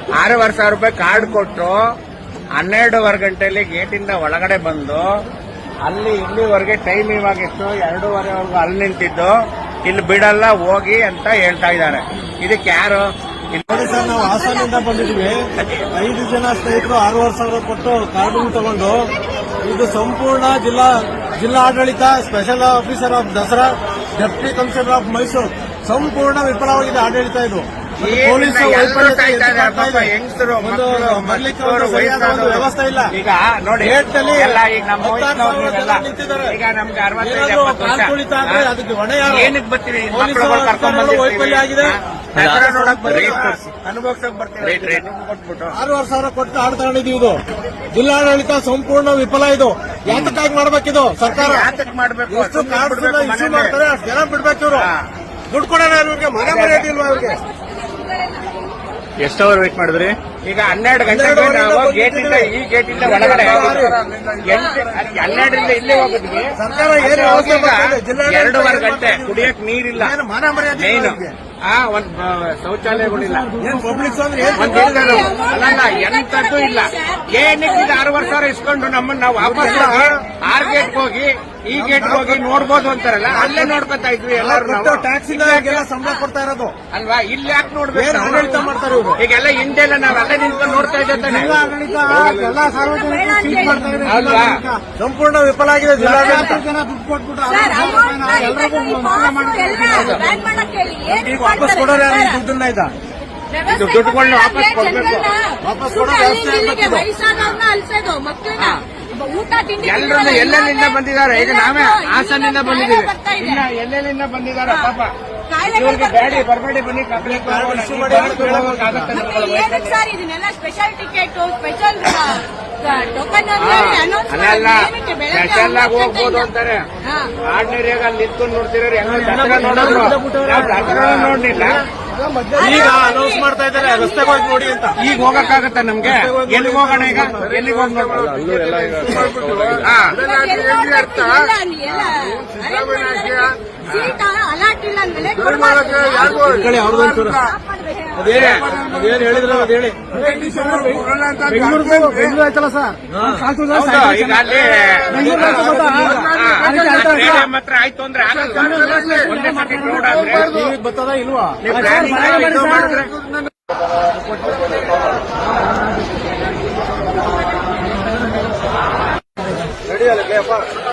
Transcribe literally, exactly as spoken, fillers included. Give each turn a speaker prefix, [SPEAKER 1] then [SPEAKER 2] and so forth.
[SPEAKER 1] ಆರೂವರೆ ಸಾವಿರ ರೂಪಾಯಿ ಕಾರ್ಡ್ ಕೊಟ್ಟು ಹನ್ನೆರಡೂವರೆ ಗಂಟೆಯಲ್ಲಿ ಗೇಟಿಂದ ಒಳಗಡೆ ಬಂದು ಅಲ್ಲಿ ಇಲ್ಲಿವರೆಗೆ ಟೈಮ್ ಇವಾಗ ಎಷ್ಟು ಎರಡೂವರೆವರೆಗೂ ಅಲ್ಲಿ ನಿಂತಿದ್ದು ಇಲ್ಲಿ ಬಿಡಲ್ಲ ಹೋಗಿ ಅಂತ ಹೇಳ್ತಾ ಇದ್ದಾರೆ. ಇದಕ್ಕೆ ಯಾರು?
[SPEAKER 2] ನೋಡಿ ಸರ್, ನಾವು ಹಾಸನದಿಂದ ಬಂದಿದ್ವಿ. ಐದು ಜನ ಸ್ನೇಹಿತರು ಆರೂವರೆ ಸಾವಿರ ಕೊಟ್ಟು ಕಾರ್ಡ್ ತಗೊಂಡು ಇದು ಸಂಪೂರ್ಣ ಜಿಲ್ಲಾ ಜಿಲ್ಲಾ ಆಡಳಿತ, special officer of Dasara, deputy commissioner of Mysuru ಸಂಪೂರ್ಣ ವಿಫಲವಾಗಿದೆ ಆಡಳಿತ. ಇದು ಪೊಲೀಸ್ ವ್ಯವಸ್ಥೆ ಇಲ್ಲ.
[SPEAKER 1] ಈಗ ನೋಡಿ,
[SPEAKER 2] ಅದಕ್ಕೆ ಹೊಣೆ
[SPEAKER 1] ಏನಕ್ಕೆ ಬರ್ತೀವಿ?
[SPEAKER 2] ವೈಫಲ್ಯ ಆಗಿದೆ.
[SPEAKER 1] ಅನುಭವಿಸಕ್ ಬರ್ತೀವಿ.
[SPEAKER 2] ಆರೂವರೆ ಸಾವಿರ ಕೊಟ್ಟು ಆಡ್ ತಗೊಂಡಿದ್ದೀವಿ. ಇದು ಜಿಲ್ಲಾಡಳಿತ ಸಂಪೂರ್ಣ ವಿಫಲ. ಇದು ಯಾತಕ್ಕಾಗಿ ಮಾಡ್ಬೇಕಿದು ಸರ್ಕಾರ?
[SPEAKER 1] ಯಾತಕ್ ಮಾಡ್ಬೇಕು?
[SPEAKER 2] ಎಷ್ಟು ಕಾರ್ಡ್ ಇಶ್ಯೂ ಮಾಡ್ತಾರೆ ಅಷ್ಟು ಜನ ಬಿಡ್ಬೇಕು. ಇವರು ದುಡ್ಡು ಕೊಡೋಣ ಇವ್ರಿಗೆ, ಮನೆ ಮರ್ಯಾದೆ ಇಲ್ವಾ ಇವ್ರಿಗೆ?
[SPEAKER 3] ಎಷ್ಟು ಅವರ್ ವೇಟ್ ಮಾಡಿದ್ರಿ?
[SPEAKER 1] ಈಗ ಹನ್ನೆರಡು ಗಂಟೆಗೆ ನಾವು ಗೇಟಿಂದ ಈ ಗೇಟಿಂದ ಒಳಗಡೆ ಹನ್ನೆರಡರಿಂದ ಇಲ್ಲೇ ಹೋಗಿದ್ವಿ.
[SPEAKER 2] ಸರ್ಕಾರ ಏನು ವ್ಯವಸ್ಥೆ ಮಾಡ್ತಿದೆ?
[SPEAKER 1] ಎರಡೂವರೆ ಗಂಟೆ ಕುಡಿಯಕ್ ನೀರಿಲ್ಲ,
[SPEAKER 2] ಮಾನ ಮರ್ಯಾದೆ
[SPEAKER 1] ಮೇನ್ ಆ ಒಂದ್ ಶೌಚಾಲಯಗಳಿಲ್ಲ,
[SPEAKER 2] ಏನ್ ಪಬ್ಲಿಕ್ ಅಂದ್ರೆ
[SPEAKER 1] ಒಂದ್ ಅಲ್ಲಲ್ಲ ಎಂತದ್ದು ಇಲ್ಲ. ಏನಕ್ಕೆ ಇದು ಆರೂವರೆ ಸಾವಿರ ಇಸ್ಕೊಂಡು ನಮ್ಮನ್ನ ನಾವು ವಾಪಸ್ ಹೋಗಿ ಆರ್ ಗೇಟ್ ಹೋಗಿ ಈ ಗೇಟ್ ಹೋಗಿ ನೋಡ್ಬೋದು ಅಂತಾರಲ್ಲ, ಅಲ್ಲೇ ನೋಡ್ಕೊತಾ ಇದ್ವಿ ಎಲ್ಲರೂ.
[SPEAKER 2] ಟ್ಯಾಕ್ಸ್ ಸಂಬಳ ಕೊಡ್ತಾ ಇರೋದು
[SPEAKER 1] ಅಲ್ವಾ? ಇಲ್ಲಿ ಯಾಕೆ ನೋಡ್ಬೇಕು?
[SPEAKER 2] ಆಡಳಿತ ಮಾಡ್ತಾರೆ ಇವರು.
[SPEAKER 1] ಈಗೆಲ್ಲ ಹಿಂದೆಲ್ಲ ನಾವ್ ಅಲ್ಲೇ ನಿಂತ್ಕೊಂಡು ನೋಡ್ತಾ ಇದ್ದೆ.
[SPEAKER 2] ಜಿಲ್ಲಾ ಆಡಳಿತ ಎಲ್ಲ ಸಾರ್ವಜನಿಕರು ಸೀಟ್ ಮಾಡ್ತಾ ಇದೆ. ಸಂಪೂರ್ಣ ವಿಫಲ ಆಗಿದೆ ಜಿಲ್ಲಾಡಳಿತ. ಜನ ದುಡ್ಡು ಕೊಟ್ಬಿಟ್ಟು ಈಗ ವಾಪಸ್ ಕೊಡೋರು ಯಾರು ಈ ದುಡ್ಡನ್ನ? ಇದ
[SPEAKER 1] ದುಡ್ಡುಗಳನ್ನ ವಾಪಸ್ ಕೊಡ್ಬೇಕು.
[SPEAKER 2] ವಾಪಸ್ ಕೊಡೋ ವ್ಯವಸ್ಥೆ
[SPEAKER 1] ಎಲ್ಲರನ್ನ ಎಲ್ಲೆಲ್ಲಿಂದ ಬಂದಿದ್ದಾರೆ. ಈಗ ನಾವೇ ಹಾಸನಿಂದ ಬಂದಿದ್ದೀವಿ, ಇನ್ನ ಎಲ್ಲೆಲ್ಲಿಂದ ಬಂದಿದ್ದಾರೆ ಪಾಪ. ಇವ್ರಿಗೆ ಬೇಡಿ ಬರಬೇಡಿ, ಬನ್ನಿ ಕಂಪ್ಲೇಂಟ್
[SPEAKER 4] ಇದನ್ನೆಲ್ಲ ಸ್ಪೆಷಲ್ ಟಿಕೆಟ್, ಸ್ಪೆಷಲ್ ಟೋಕನ್
[SPEAKER 1] ಅಲ್ಲ ಸ್ಪೆಷಲ್ ಆಗಿ ಹೋಗ್ಬೋದು ಅಂತಾರೆ. ಆರ್ಡಿನರಿಯಾಗ ಅಲ್ಲಿ ನಿಂತ್ಕೊಂಡು ನೋಡ್ತಿರೋರು ಹೆಂಗ ದಸರಾ ನೋಡೋರು, ನಾವು ದಸರಾ ನೋಡ್ಲಿಲ್ಲ.
[SPEAKER 2] ಈಗ ಅನೌನ್ಸ್ ಮಾಡ್ತಾ ಇದ್ದಾರೆ ರಸ್ತೆಗೆ ಹೋಗಿ ನೋಡಿ ಅಂತ.
[SPEAKER 1] ಈಗ ಹೋಗಕ್ಕಾಗತ್ತ ನಮ್ಗೆ? ಎಲ್ಲಿಗೆ ಹೋಗೋಣ? ಈಗ ಎಲ್ಲಿಗೆ ಹೋಗಿ ನೋಡ್ಬೋದು?
[SPEAKER 2] ಅದೇನು ಹೇಳಿದ್ರು ಅದು ಹೇಳಿ. ಬೆಂಗಳೂರು ಬೆಂಗಳೂರು ಆಯ್ತಲ್ಲ ಸರ್,
[SPEAKER 1] ಈಗ ಅಲ್ಲಿ ಹತ್ರ ಆಯ್ತು ಅಂದ್ರೆ ಒಂದೇ ಸತಿ ಕ್ರೌಡ್ ಆದ್ರೆ
[SPEAKER 2] ಬರ್ತದ ಇಲ್ವಾ? ರೆಡಿ ಅಲ್ಲ